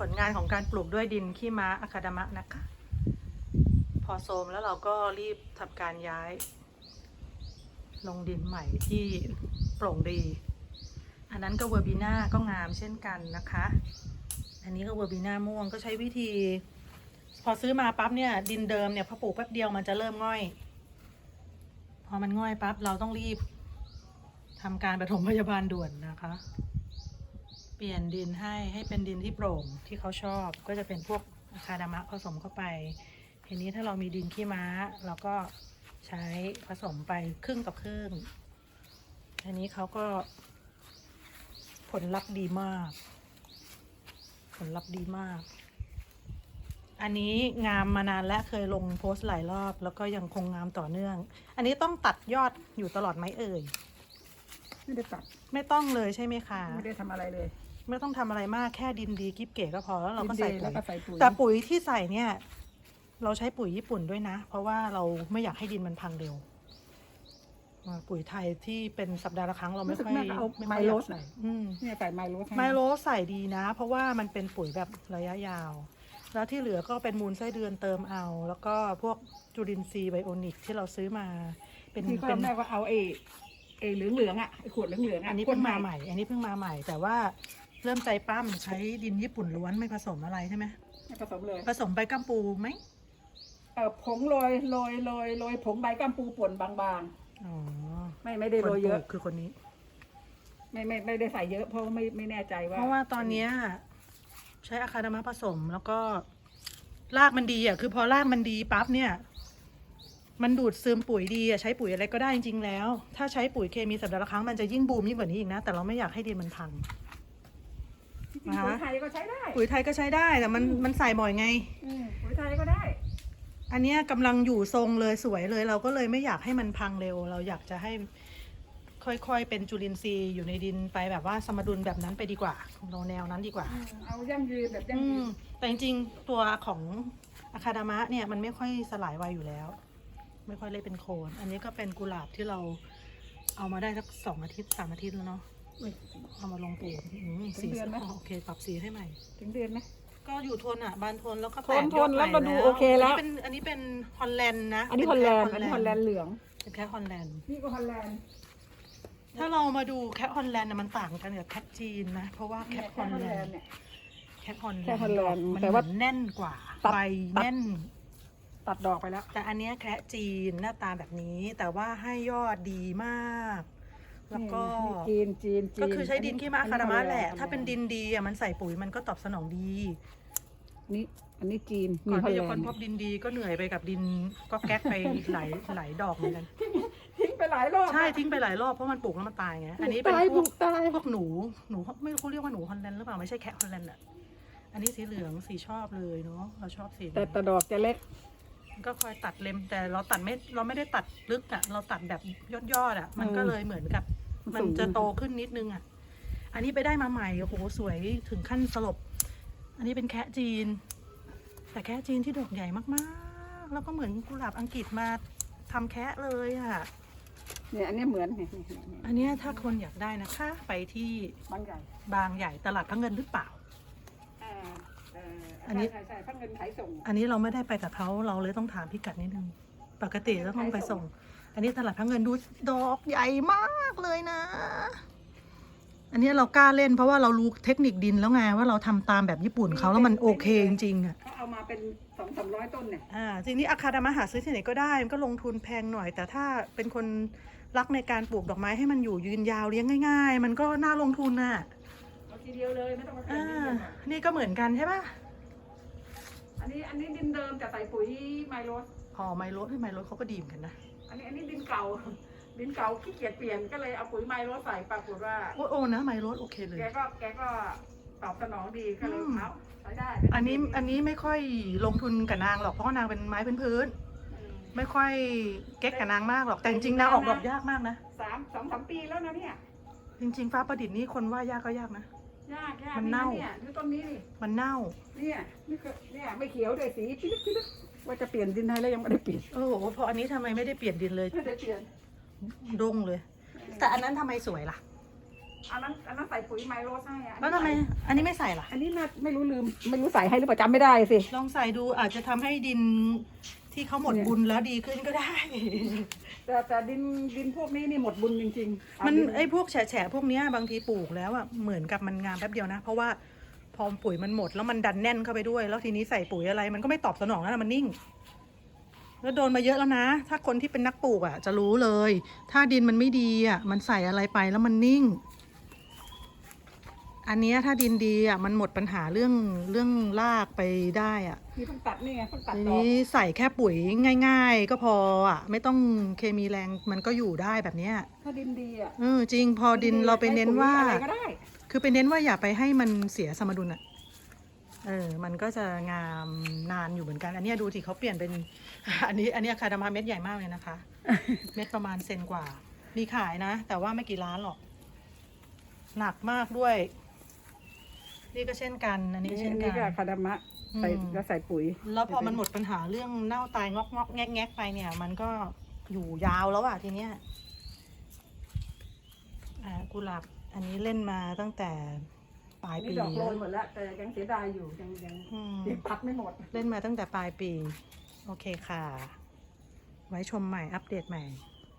ลงานของการปลูกด้วยดินขี้ม้าอะคาดามะนะคะ พอโทรมแล้วเราก็รีบทำการย้าย ลงดินใหม่ที่โปร่งดี อันนั้นก็เวอร์บีน่าก็งามเช่นกันนะคะ อันนี้ก็เวอร์บีน่าม่วงก็ใช้วิธี พอซื้อมาปั๊บเนี่ยดินเดิมเนี่ยพอปลูกแป๊บเดียวมันจะเริ่มง่อย พอมันง่อยปั๊บเราต้องรีบทำการปฐมพยาบาลด่วนนะคะ เปลี่ยนดินให้เป็นดินที่โปร่งที่เขาชอบก็จะเป็นพวกอะคาดามะผสมเข้าไปทีนี้ถ้าเรามีดินขี้ม้าเราก็ใช้ผสมไปครึ่งต่อครึ่งอันนี้เขาก็ผลลัพธ์ดีมาก ผลลัพธ์ดีมาก อันนี้งามมานานและเคยลงโพสต์หลายรอบแล้วก็ยังคงงามต่อเนื่องอันนี้ต้องตัดยอดอยู่ตลอดไหมเอ่ยไม่ได้ตัดไม่ต้องเลยใช่ไหมคะไม่ได้ทำอะไรเลยไม่ต้องทำอะไรมากแค่ดินดีกิ๊บเก๋ก็พอแล้วเราก็ใส่ปุ๋ยแต่ปุ๋ยที่ใส่เนี่ยเราใช้ปุ๋ยญี่ปุ่นด้วยนะเพราะว่าเราไม่อยากให้ดินมันพังเร็วปุ๋ยไทยที่เป็นสัปดาห์ละครั้งเราไม่ค่อยไมโลใส่เนี่ยใส่ไมโลใส่ดีนะเพราะว่ามันเป็นปุ๋ยแบบระยะยาวแล้วที่เหลือก็เป็นมูลไส้เดือนเติมเอาแล้วก็พวกจุลินทรีย์ไบโอนิกที่เราซื้อมาเป็นแม่ก็เอาเหลืองอ่ะไอขวดเหลืองอ่ะอันนี้เพิ่งมาใหม่แต่ว่าเริ่มใจปั้มใช้ดินญี่ปุ่นล้วนไม่ผสมอะไรใช่ไหมไม่ผสมเลยผสมใบกัมปูไหมผงโรยผงใบกัมปูป่นบางๆอ๋อไม่ได้โรยเยอะคือคนนี้ไม่ได้ใส่เยอะเพราะไม่แน่ใจว่าเพราะว่าตอนนี้ใช้อะคาดามะผสมแล้วก็รากมันดีอ่ะคือพอรากมันดีปั๊บเนี่ยมันดูดซึมปุ๋ยดีอ่ะใช้ปุ๋ยอะไรก็ได้จริงๆแล้วถ้าใช้ปุ๋ยเคมีสัปดาห์ละครั้งมันจะยิ่งบูมยิ่งกว่านี้อีกนะแต่เราไม่อยากให้ดินมันพังปุ๋ยไทยก็ใช้ได้ปุ๋ยไทยก็ใช้ได้แต่มันใส่บ่อยไงปุ๋ยไทยก็ได้อันนี้กำลังอยู่ทรงเลยสวยเลยเราก็เลยไม่อยากให้มันพังเร็วเราอยากจะให้ค่อยๆเป็นจุลินทรีย์อยู่ในดินไปแบบว่าสมดุลแบบนั้นไปดีกว่าเราแนวนั้นดีกว่าเอายั่งยืนแบบยั่งยืนแต่จริงๆตัวของอะคาดามะเนี่ยมันไม่ค่อยสลายไวอยู่แล้วไม่ค่อยเลยเป็นโคนอันนี้ก็เป็นกุหลาบที่เราเอามาได้สัก2 อาทิตย์3 อาทิตย์แล้วเนาะเอามาลงปลูกสีโอเคปรับสีให้ใหม่ถึงเดือนไหมก็อยู่ทนอ่ะบานทนแล้วก็แตกยอดแล้วก็ดูโอเคแล้วอันนี้เป็นฮอลแลนด์นะอันนี้ฮอลแลนด์เหลืองเป็นแคทฮอลแลนด์นี่ก็ฮอลแลนด์ถ้าเรามาดูแคทฮอลแลนด์มันต่างกันกับแคทจีนนะเพราะว่าแคทฮอลแลนด์แคทฮอลแลนด์มันแน่นกว่าใบแน่นตัดดอกไปแล้วแต่อันนี้แคระจีนหน้าตาแบบนี้แต่ว่าให้ยอดดีมากแล้วก็จีนก็คือใช้ดินขี้ม้าอะคาดามะแหละถ้าเป็นดินดีอ่ะมันใส่ปุ๋ยมันก็ตอบสนองดีอันนี้จีนก่อนที่จะค้นพบดินดีก็เหนื่อยไปกับดินก็แก๊กไปหลายดอกเหมือนกันทิ้งไปหลายรอบใช่ทิ้งไปหลายรอบเพราะมันปลูกแล้วมันตายไงอันนี้เป็นพวกหนูไม่รู้เขาเรียกว่าหนูฮอลแลนด์หรือเปล่าไม่ใช่แคะฮอลแลนด์อ่ะอันนี้สีเหลืองสีชอบเลยเนาะเราชอบสีแต่ดอกจะเล็กก็คอยตัดเล็มแต่เราไม่ได้ตัดลึกอ่ะเราตัดแบบยอดอ่ะมันก็เลยเหมือนกับมันจะโตขึ้นนิดนึงอ่ะอันนี้ไปได้มาใหม่โอ้โหสวยถึงขั้นสลบอันนี้เป็นแคะจีนแต่แคะจีนที่ดอกใหญ่มากๆแล้วก็เหมือนกุหลาบอังกฤษมาทำแคะเลยอ่ะเนี่ยอันนี้เหมือนอันนี้ถ้าคนอยากได้นะคะไปที่บางใหญ่ตลาดพระเงินหรือเปล่าอันนี้ใช่พระเงินขายส่งอันนี้เราไม่ได้ไปกับเขาเราเลยต้องถามพิกัดนิดนึงปกติต้องไปส่งอันนี้ตลาดพระเงินดูดอกใหญ่มากเลยนะอันนี้เรากล้าเล่นเพราะว่าเรารู้เทคนิคดินแล้วไงว่าเราทำตามแบบญี่ปุ่นเขาแล้วมันโอเคจริงๆอ่ะเขาเอามาเป็น200-300 ต้นเนี่ยจริงๆอะคาดามะหาซื้อที่ไหนก็ได้มันก็ลงทุนแพงหน่อยแต่ถ้าเป็นคนรักในการปลูกดอกไม้ให้มันอยู่ยืนยาวเลี้ยงง่ายๆมันก็น่าลงทุนน่ะเอาทีเดียวเลยไม่ต้องมาเปลี่ยนนี่ก็เหมือนกันใช่ป่ะอันนี้ดินเดิมแต่ใส่ปุ๋ยไมโลสไมโลสเขาก็ดีเหมือนกันนะอันนี้ดินเก่าขี้เกียจเปลี่ยนก็เลยเอาปุ๋ยไมโลสใส่ปรากฏว่าโอ้นะไมโลสโอเคเลยแกก็ตอบสนองดีก็เลยเอาใช้ได้อันนี้ไม่ค่อยลงทุนกับนางหรอกเพราะนางเป็นไม้พื้นไม่ค่อยเก๊กกับนางมากหรอกแต่จริงๆนางออกดอกยากมากนะ 2-3 ปีแล้วนะเนี่ยจริงๆฟ้าประดิษฐ์นี่คนว่ายากก็ยากนะยากมันเน่าดูต้นนี้ดิมันเน่าเนี่ยไม่เขียวเลยสีปิ๊ดว่าจะเปลี่ยนดินให้แล้วยังไม่ได้เปลี่ยนโอ้โหพออันนี้ทำไมไม่ได้เปลี่ยนดินเลยไม่ได้เปลี่ยนดงเลยแต่อันนั้นทำไมสวยล่ะอันนั้นใส่ปุ๋ยไมโลใช่อะแล้วทำไมอันนี้ไม่ใส่ล่ะอันนี้น่าไม่รู้ลืมไม่รู้ใส่ให้หรือเปล่าจำไม่ได้สิลองใส่ดูอาจจะทำให้ดินที่เขาหมดบุญแล้วดีขึ้นก็ได้แต่ดินพวกนี้นี่หมดบุญจริงๆมันดิไอ้พวกแฉะพวกเนี้ยบางทีปลูกแล้วอ่ะเหมือนกับมันงามแป๊บเดียวนะ เพราะว่าพอปุ๋ยมันหมดแล้วมันดันแน่นเข้าไปด้วย แล้วทีนี้ใส่ปุ๋ยอะไรมันก็ไม่ตอบสนองแล้วนะมันนิ่ง แล้วโดนมาเยอะแล้วนะ ถ้าคนที่เป็นนักปลูกอ่ะจะรู้เลย ถ้าดินมันไม่ดีอ่ะมันใส่อะไรไปแล้วมันนิ่ง อันเนี้ยถ้าดินดีอ่ะมันหมดปัญหาเรื่องรากไปได้อ่ะนี่เพิ่งตัดนี่ไงเพิ่งตัดทีดอกนี้ใส่แค่ปุ๋ยง่าย ๆ ก็พออ่ะไม่ต้องเคมีแรงมันก็อยู่ได้แบบเนี้ยถ้าดินดีอ่ะจริงพอดินเราไปเน้นว่าใช้ปุ๋ยอะไรก็ได้คือไปเน้นว่าอย่าไปให้มันเสียสมดุลอ่ะมันก็จะงามนานอยู่เหมือนกัน อันเนี้ยดูที่เขาเปลี่ยนเป็น อันนี้อะคาดามาเม็ดใหญ่มากเลยนะคะ เม็ดประมาณเซนกว่ามีขายนะ แต่ว่าไม่กี่ล้านหรอก หนักมากด้วย นี่ก็เช่นกัน อันนี้ก็เช่นนี่กัก็นคาดามะใส่อืมแล้วใส่ปุ๋ยแล้วพอมันหมดปัญหาเรื่องเน่าตายงอกแงกไปเนี่ย มันก็อยู่ยาวแล้วอะทีเนี้ยกุหลาบอันนี้เล่นมาตั้งแต่ปลายนี่ปีดอกโรแล้วยหมดแล้วแต่ยังเสียดายอยู่ยังอืมตัดไม่หมดเล่นมาตั้งแต่ปลายปี โอเคค่ะ ไว้ชมใหม่อัปเดตใหม่